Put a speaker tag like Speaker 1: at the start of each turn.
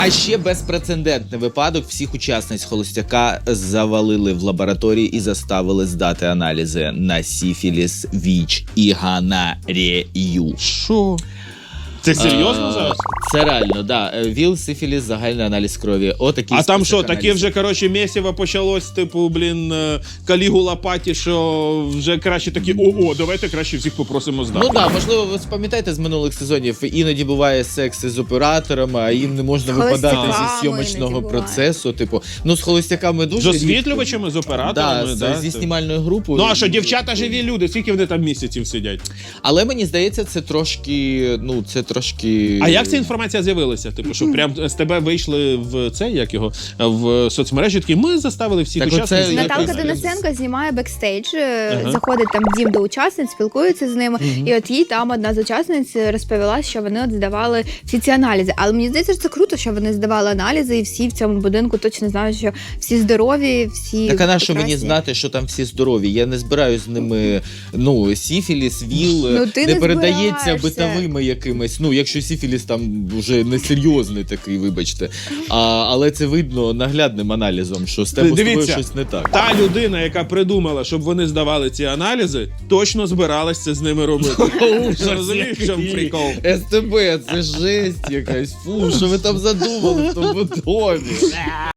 Speaker 1: А ще безпрецедентний випадок. Всіх учасниць холостяка завалили в лабораторії і заставили здати аналізи на сіфіліс, ВІЧ і гонорею.
Speaker 2: Що? Це серйозно зараз?
Speaker 1: Це реально, да. ВІЛ, сифіліс, загальний аналіз крові. Отакий
Speaker 2: А там
Speaker 1: список
Speaker 2: що, таке
Speaker 1: аналізів.
Speaker 2: вже, коротше, місіво почалось, типу, Калігула паті, що вже краще такі, давайте краще всіх попросимо здати.
Speaker 1: Ну так, можливо, ви пам'ятаєте з минулих сезонів, іноді буває секс із операторами, а їм не можна випадати зі зйомочного
Speaker 3: іноді
Speaker 1: процесу. Типу, ну з холостяками дуже
Speaker 2: З освітлювачами, з операторами,
Speaker 1: зі знімальною групою.
Speaker 2: Ну а що, дівчата живі люди, скільки вони там місяців сидять?
Speaker 1: Але мені здається, це трошки,
Speaker 2: А як ця інформація з'явилася? Типу, що прям з тебе вийшли в це, як його, в соцмережі, такі, ми заставили всіх
Speaker 1: Так
Speaker 2: учасників.
Speaker 1: оце
Speaker 3: Наталка
Speaker 1: якось-
Speaker 3: Денисенко знімає бекстейдж, заходить там в дім до учасниць, спілкується з ними, і от їй там одна з учасниць розповіла, що вони от здавали всі ці аналізи. Але мені здається, що це круто, що вони здавали аналізи, і всі в цьому будинку точно знають, що всі здорові, всі
Speaker 1: Так а на що мені
Speaker 3: прекрасні.
Speaker 1: знати, що там всі здорові? Я не збираюсь з ними, сіфіліс, ВІЛ,
Speaker 3: Ну, ти
Speaker 1: не
Speaker 3: не
Speaker 1: передається
Speaker 3: збираєшся.
Speaker 1: битовими якимись, якщо сіфіліс там вже несерйозний такий, вибачте. Але це видно наглядним аналізом, що з тобою
Speaker 2: Дивіться,
Speaker 1: щось не так.
Speaker 2: Та людина, яка придумала, щоб вони здавали ці аналізи, точно збиралась це з ними робити. Розумієш, в чому прикол?
Speaker 1: СТБ, це жесть якась. Фу, що ви там задумали в тому домі?